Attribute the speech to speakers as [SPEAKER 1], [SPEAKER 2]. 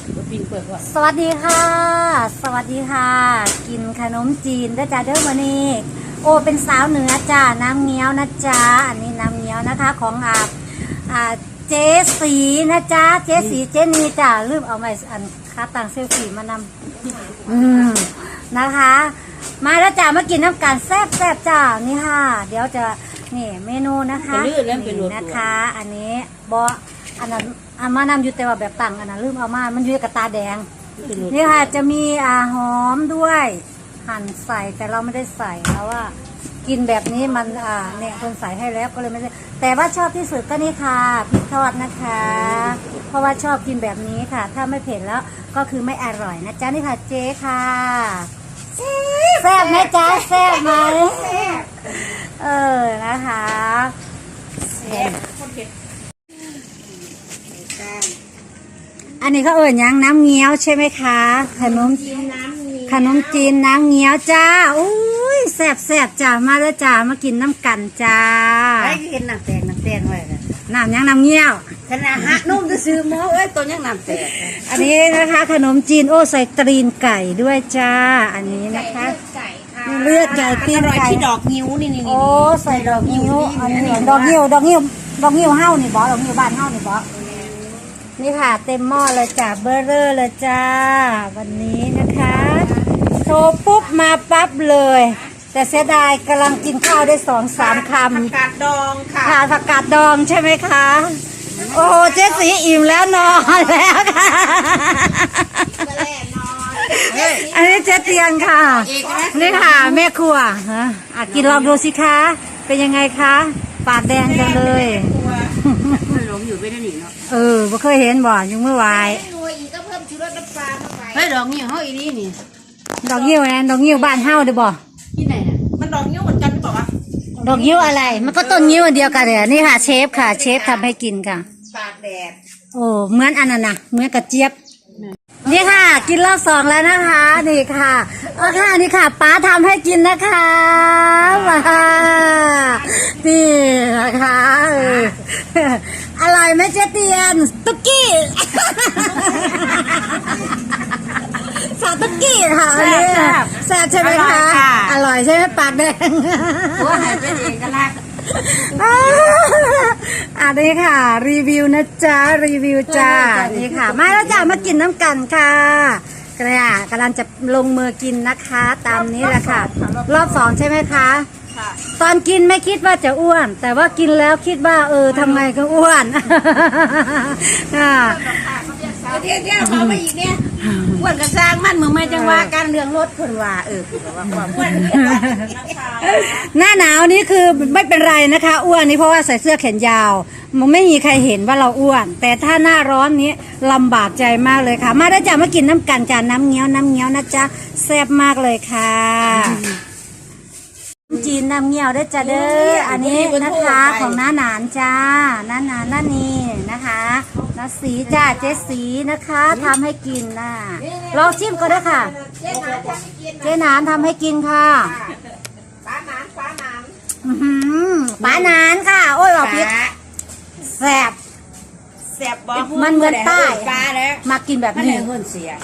[SPEAKER 1] ปิ้งเปิดก่อน
[SPEAKER 2] สวัสดีค่ะสวัสดีค่ะกินขนมจีนนะจ๊ะเด้อวันนี้โอเป็นสาวเหนือจ้าน้ำเงี้ยวนะจ๊ะอันนี้น้ำเงี้ยวนะคะของเจ๊สีนะจ๊ะเจ๊สีเจนีจ้าลืมเอาไม้อันค้าต่างเซลฟี่มานำนะคะ มาแล้วจ้ามากินน้ำกันแซ่บจ้านี่ค่ะเดี๋ยวจะนี่เมนูนะคะนี่นะคะ อันนี้บออันนั้นมานำอยู่แต่ว่าแบบต่างอันนั้นลืมเอามามันอยู่กับตาแดงนี่ค่ะจะมีหอมด้วยหั่นใส่แต่เราไม่ได้ใส่เพราะว่ากินแบบนี้มันเนี่ยคนใส่ให้แล้วก็เลยไม่ได้แต่ว่าชอบที่สุดก็นี่ค่ะพริกทอดนะคะ เพราะว่าชอบกินแบบนี้ค่ะ ถ้าไม่เผ็ดแล้วก็คือไม่อร่อยนะจ๊ะนี่ค่ะเจ๊ค่ะแซ่บไหมจ๊ะแซ่บไหมนะคะแซ่บอันนี้เขายังน้ำเงี้ยวใช่ไหมคะขนมจีนน้ำเงี้ยวจ้าอุ้ยแซ่บจ้ามาแล้วจ้ามากินน้ำกันจ้า
[SPEAKER 1] ไอ้กินน้ำแตงไว้กัน
[SPEAKER 2] น้ำยังน้ำเงี้ยว
[SPEAKER 1] ขนาดหักนุ่มจะซื้อหม้อตัวยังน้ำแตง
[SPEAKER 2] อันนี้นะคะขนมจีนใส่ตีนไก่ด้วยจ้าอันนี้นะคะเลือดไก่ตีนไก่
[SPEAKER 1] ที่ดอกนิ้วนี่
[SPEAKER 2] ใส่ดอกนิ้วอันนี้ดอกนิ้วเฮ้านี่บอดอกนิ้วบ้านเฮ้านี่บอนี่ค่ะเต็มหม้อเลยจ้าเบอร์เรอร์เลยจ้าวันนี้นะคะโทรปุ๊บมาปั๊บเลยแต่เสียดายกำลังกินข้าวได้2-3 คำ
[SPEAKER 1] ผักกาดดองค่ะ
[SPEAKER 2] ผักกาดดองใช่ไหมคะโอ้เจ๊สีอิ่มแล้วนอนแล้วค่ะอันนี้เจ๊เตียงค่ะนี่ค่ะแม่ครัวกินลองดูสิคะเป็นยังไงคะปากแดงจังเลย
[SPEAKER 1] หลงอยู่ไม่ได้หนีเนาะ
[SPEAKER 2] ไม่เคยเห็นบ่ยังเมื่อวาน
[SPEAKER 1] ก็เพิ่มชูรสน้ำปลาเข้าไปเฮ้ยดอกนิ้วเฮาอีนี่
[SPEAKER 2] ดอกนิ้วนะดอกนิ้วบ้านเฮาเด้อบ่
[SPEAKER 1] ที่ไหนน่ะมันดอกนิ้วเหมือนกันหรือเปล่าวะ
[SPEAKER 2] ดอกนิ้วอะไรมันก็ต้นนิ้วอันเดียวกันเลยนี่ค่ะเชฟค่ะเชฟทำให้กินค่ะ
[SPEAKER 1] ปากแดด
[SPEAKER 2] เหมือนอันนั้นนะเหมือนกระเจี๊ยบนี่ค่ะกินรอบ2แล้วนะคะนี่ค่ะค่ะนี่ค่ะป้าทำให้กินนะคะว้านี่นะคะอร่อยไหมเจ๊เตียนตุ๊กกี้สาตุ๊กกี้ค่ะอันนี้แซ่บใช่ไหมคะอร่อยใช่ไหมปากแดง
[SPEAKER 1] ว่าหายเป็นเอกลักษณ์
[SPEAKER 2] อันนี้ค่ะรีวิวนะจ๊ะรีวิวจ้านี่ค่ะมาแล้วจ้ามากินน้ำกันค่ะกำลังจะลงมือกินนะคะตามนี้แหละค่ะรอบ2ใช่ไหมคะตอนกินไม่คิดว่าจะอ้วนแต่ว่ากินแล้วคิดว่าทำไงก็อ้วน
[SPEAKER 1] เที่ยวเขาไปอีกเนี่ยอ้วนกระซ้างมันมึงไม่จังว่าการเรื่องรถคนว่าว่าความอ้วน
[SPEAKER 2] หน้าหนาวนี้คือไม่เป็นไรนะคะอ้วนนี่เพราะว่าใส่เสื้อแขนยาวมันไม่มีใครเห็นว่าเราอ้วนแต่ถ้าหน้าร้อนนี้ลำบากใจมากเลยค่ะมาได้จ้ามากินน้ำกันจานน้ำเงี้ยวนะจ๊ะแซ่บมากเลยค่ะจีนน้ำเงี้ยวได้จ้าเด้ออันนี้นะคะของน้าหนานจ้าน้าหนานน้านี่นะคะน้าสีจ้าเจ๊สีนะคะทำให้กินนะลองชิมก็ได้ค่ะเจ๊หนานทำให้กินค่ะ
[SPEAKER 1] ป้าหนาน
[SPEAKER 2] ป้าหนานค่ะโอ้ยบอกพิษแซ่บ
[SPEAKER 1] บอก
[SPEAKER 2] มันเหมือนใต้
[SPEAKER 1] ปลาแล้ว
[SPEAKER 2] มากินแบบนี้